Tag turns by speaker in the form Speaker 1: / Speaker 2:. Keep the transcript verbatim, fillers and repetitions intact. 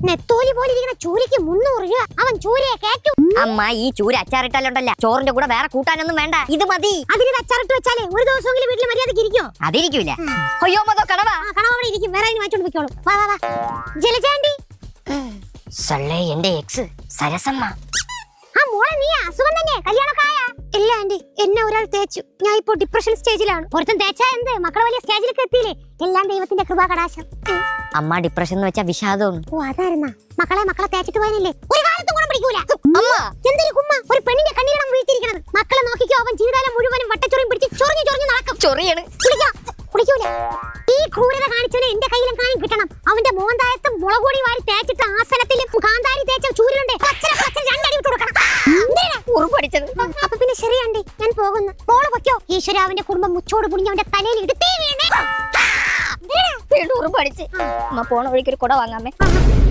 Speaker 1: നെത്തോലി പോലെ ഇരിക്കുന്ന ചൂരയ്ക്ക് മുന്നൂറ് രൂപ. അവൻ ചൂരയെ കേറ്റു.
Speaker 2: അമ്മ ഈ ചൂര അച്ചാറിട്ടാലുണ്ടല്ല ചോറിന്റെ കൂടെ വേറെ കൂട്ടാനൊന്നും വേണ്ട, ഇത് മതി.
Speaker 1: അതിന് അച്ചാറിട്ട് വെച്ചാലേ ഒരു ദിവസമെങ്കിലും വീട്ടിൽ മര്യാദക്ക് ഇരിക്കോ?
Speaker 2: അതിരിക്കൂല. അയ്യോ മതോ കടവാ.
Speaker 1: കടവ അവിടെ ഇരിക്കും, വേറെ മാറ്റോണ്ട് വെക്കോളൂ. വാ വാ വാ ജലജാണ്ടി.
Speaker 2: സള്ളേ എന്റെ എക്സ് സരസമ്മ.
Speaker 1: ആ മോളെ നീ അസുഖം തന്നെ, കല്യാണമൊക്കെ ആയാ? ഇല്ല ആന്റി, എന്നെ ഒരാൾ തേച്ചു. ഞാൻ ഇപ്പോ ഡിപ്രഷൻ സ്റ്റേജിലാണ്. ഒരുത്തൻ തേച്ചാ എന്ത്, മക്കളെ വലിയ സ്റ്റേജിലേക്ക് എത്തിയില്ലേ. എല്ലാം ദൈവത്തിന്റെ കൃപാ കടാശം.
Speaker 2: അമ്മ ഡിപ്രഷൻ എന്ന് വെച്ചാ വിഷാദമാണ്.
Speaker 1: ഓ അതായിരുന്നാ. മക്കളെ മക്കളെ തേച്ചിട്ട് പോയനല്ലേ, ഒരു കാലത്തും ഗുണം പിടിക്കൂല.
Speaker 2: അമ്മ
Speaker 1: എന്തൊരു കുമ്മ, ഒരു പെണ്ണിന്റെ കണ്ണീരണം വീഴ്ത്തിയിരിക്കണത്. മക്കളെ നോക്കിക്കോ, അവൻ ജീവിതകാലം മുഴുവനും വട്ടച്ചൊറിയും പിടിച്ച് ചൊറിഞ്ഞു ചൊറിഞ്ഞു നടക്കും.
Speaker 2: ചൊറിയാണ്.
Speaker 1: കുടിക്കാം കുടിക്കൂല. ഈ ക്രൂരത കാണിച്ചവനെ എന്റെ കയ്യിലും കാണി കിട്ടണം. അവന്റെ മോന്തായത്തും മുളകുപൊടി വാരി തേച്ചിട്ട് ആസനത്തിലും കാന്താരി തേച്ച ചൂരിലുണ്ട് രണ്ടടി വിട്ട് കൊടുക്കണം. അപ്പൊ പിന്നെ ശരിയാണ്ടി, ഞാൻ പോകുന്നു. മോള് പൊയ്ക്കോ. ഈശ്വര, അവന്റെ കുടുംബം മുച്ചോട് പുണിഞ്ഞ് അവന്റെ തലയിൽ എടുത്തേ വീണേ.
Speaker 2: വീണ്ടും ഉറുമ്പടിച്ച്. അമ്മ പോണ വഴിക്ക് ഒരു കുട വാങ്ങാമേ.